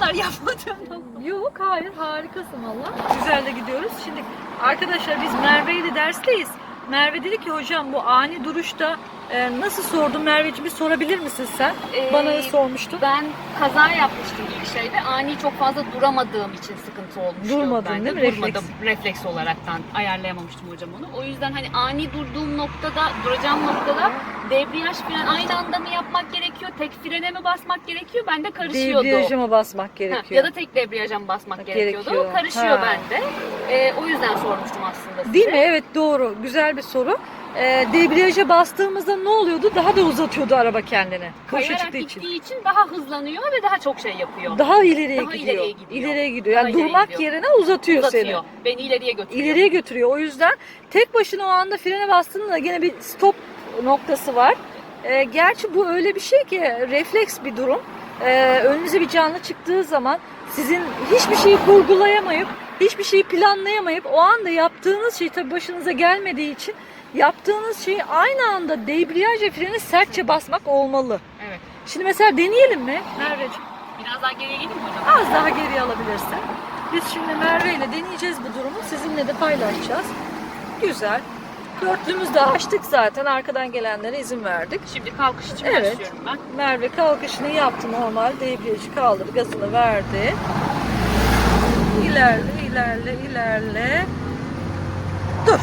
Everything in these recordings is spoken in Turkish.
kadar yapmadım. Yok, hayır, harikasın valla. Güzel de gidiyoruz. Şimdi arkadaşlar biz Merve ile dersteyiz. Merve dedi ki hocam bu ani duruşta nasıl sordun Merveciğim, bir sorabilir misin sen? Bana sormuştun. Ben kaza yapmıştım bir şeyde. Ani çok fazla duramadığım için sıkıntı olmuştu. Durmadın bende. değil mi? Durmadım. Refleks olaraktan ayarlayamamıştım hocam onu. O yüzden hani ani durduğum noktada, duracağım noktada debriyaj fren aynı anda mı yapmak gerekiyor? Tek frene mi basmak gerekiyor? Bende karışıyordu. Debriyaja mı basmak gerekiyor? Ya da tek debriyaja mı basmak gerekiyordu? Gerekiyor. O karışıyor Ha. bende. O yüzden sormuştum aslında size. Değil mi? Evet, doğru. Güzel bir soru. Debriyaja bastığımızda ne oluyordu? Daha da uzatıyordu araba kendini. Boşa Kayarak çıktığı için. gittiği için daha hızlanıyor ve daha çok şey yapıyor. Daha ileriye Daha gidiyor. ileriye gidiyor. İleriye gidiyor. Daha Yani ileriye durmak gidiyor. yerine uzatıyor seni. Beni ileriye götürüyor. İleriye götürüyor. O yüzden tek başına o anda frene bastığında gene bir stop noktası var. Gerçi bu öyle bir şey ki refleks bir durum. Önünüze bir canlı çıktığı zaman sizin hiçbir şeyi kurgulayamayıp, hiçbir şeyi planlayamayıp o anda yaptığınız şey tabii başınıza gelmediği için yaptığınız şeyi aynı anda debriyaj ve freni sertçe basmak olmalı. Evet. Şimdi mesela deneyelim mi Merveciğim? Biraz daha geriye gideyim mi hocam? Az daha geriye alabilirsin. Biz şimdi Merve ile deneyeceğiz bu durumu. Sizinle de paylaşacağız. Güzel. Dörtlümüzü de açtık zaten. Arkadan gelenlere izin verdik. Şimdi kalkış için Evet. başlıyorum ben. Merve kalkışını yaptı normal. Debriyajı kaldırdı. Gazını verdi. İlerle, ilerle, ilerle. Dur.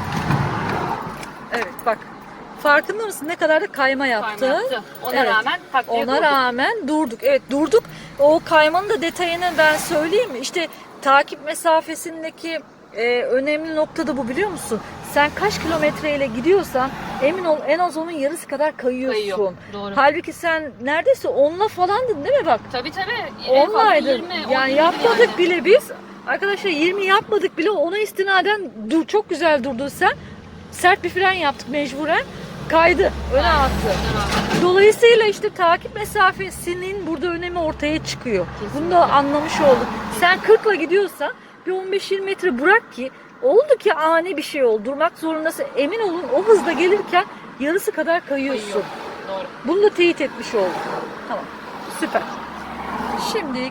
Evet bak. Farkında mısın ne kadar da kayma yaptı? Kayma yaptı. Ona Evet. rağmen takviye Ona durduk. rağmen durduk. Evet durduk. O kaymanın da detayını ben söyleyeyim mi? İşte takip mesafesindeki önemli nokta da bu, biliyor musun? Sen kaç kilometreyle gidiyorsan emin ol en az onun yarısı kadar kayıyorsun. Kayıyor. Doğru. Halbuki sen neredeyse 10'la falandın değil mi bak? Tabii. En fazla Onlaydın. 20, Yani 10, yapmadık yani. bile biz. Arkadaşlar 20 yapmadık bile, ona istinaden çok güzel durdun sen. Sert bir fren yaptık mecburen. Kaydı. Öne attı. Dolayısıyla işte takip mesafesinin burada önemi ortaya çıkıyor. Kesinlikle. Bunu da anlamış olduk. Sen 40'la gidiyorsan bir 15-20 metre bırak ki oldu ki ani bir şey oldu. Durmak zorundasın. Emin olun o hızda gelirken yarısı kadar kayıyorsun. Kayıyor. Doğru. Bunu da teyit etmiş olduk. Tamam. Süper. Şimdi